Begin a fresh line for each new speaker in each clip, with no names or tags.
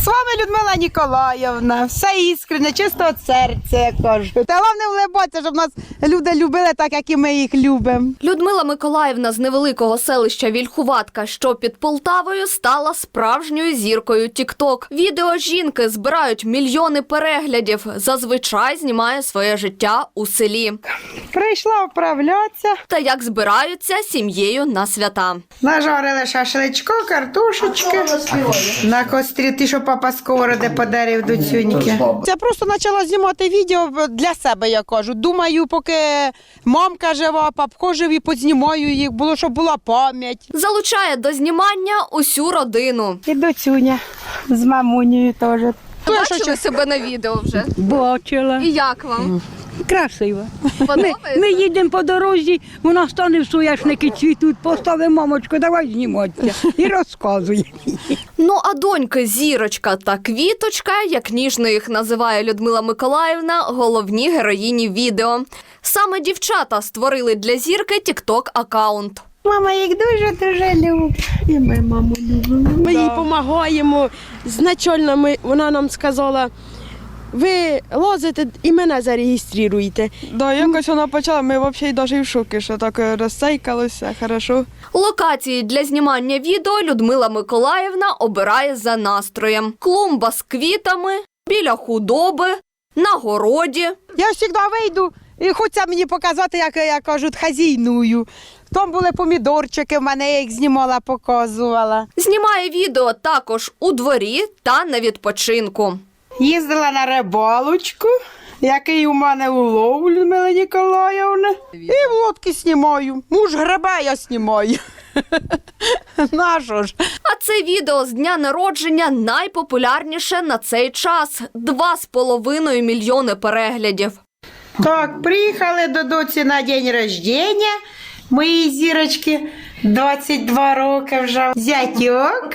З вами Людмила Ніколаївна. Все іскренне, чисто від серця, я кажу. Та головне улибатися, щоб нас люди любили так, як і ми їх любимо.
Людмила Миколаївна з невеликого селища Вільхуватка, що під Полтавою, стала справжньою зіркою TikTok. Відео жінки збирають мільйони переглядів. Зазвичай знімає своє життя у селі.
Прийшла вправлятися.
Та як збираються сім'єю на свята.
Нажарили шашличко, картошечки. На кострі, ти що папа сковороди подарив до цюньки. Я просто почала знімати відео для себе, я кажу. Думаю, поки мамка жива, папко живі, познімаю їх, було, щоб була пам'ять.
Залучає до знімання усю родину.
І доцюня з мамунею теж.
Бачили себе на відео вже?
Бачила.
І як вам?
Красиво.
Подобається?
Ми їдемо по дорозі, вона стане в соняшники цвітуть, поставимо, мамочку, давай зніматися. І розказує.
Ну а доньки Зірочка та Квіточка, як ніжно їх називає Людмила Миколаївна, головні героїні відео. Саме дівчата створили для зірки TikTok-аккаунт.
Мама їх дуже-дуже любить. І ми маму любимо.
Ми їй допомагаємо. Значально вона нам сказала, ви лазите і мене зареєструєте.
Да, якось вона почала, ми взагалі навіть в шокі, що так розсейкалося, хорошо.
Локації для знімання відео Людмила Миколаївна обирає за настроєм. Клумба з квітами, біля худоби, на городі.
Я завжди вийду і хочеться мені показати, як я кажу, хазійную. Там були помідорчики, в мене я їх знімала, показувала.
Знімає відео також у дворі та на відпочинку.
Їздила на рибалочку, який у мене улов, Людмила Ніколаївна. І в лодки знімаю. Муж гребе, я знімаю. Нащо ж?
А це відео з дня народження найпопулярніше на цей час – 2,5 мільйони переглядів.
Так, приїхали до доці на день рождення. Моїй зірочки 22 роки вже. Зятьок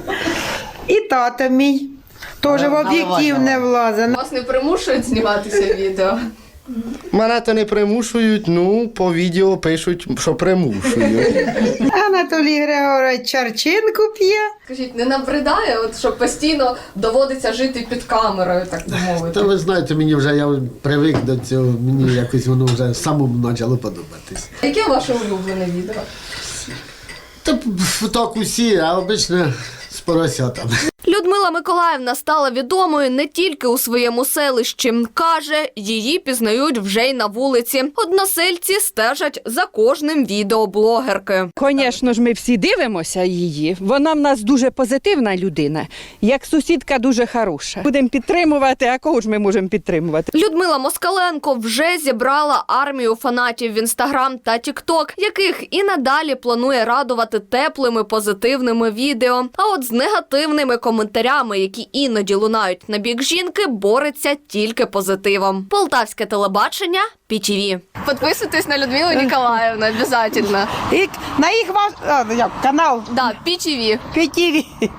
і тато мій. Теж в об'єктив не влазить.
Вас не примушують зніматися відео?
Мене то не примушують, ну, по відео пишуть, що примушують.
Анатолій Григорович чарчинку п'є.
Скажіть, не набридає, от, що постійно доводиться жити під камерою, так би
Та
мовити?
ви знаєте, мені вже я привик до цього, мені якось воно вже самому почало подобатись.
Яке ваше улюблене відео?
Та так усі, а обично з поросятами.
Людмила Миколаївна стала відомою не тільки у своєму селищі. Каже, її пізнають вже й на вулиці. Односельці стежать за кожним відео блогерки.
Звісно ж, ми всі дивимося її. Вона в нас дуже позитивна людина, як сусідка дуже хороша. Будемо підтримувати, а кого ж ми можемо підтримувати?
Людмила Москаленко вже зібрала армію фанатів в Інстаграм та Тікток, яких і надалі планує радувати теплими позитивними відео. А от з негативними коментарями, які іноді лунають на бік жінки, бореться тільки позитивом. Полтавське телебачення, ПІТІВІ. Підписуйтесь на Людмилу Ніколаївну, обов'язково.
І на їх канал
Да, ПІТІВІ.
ПТВ.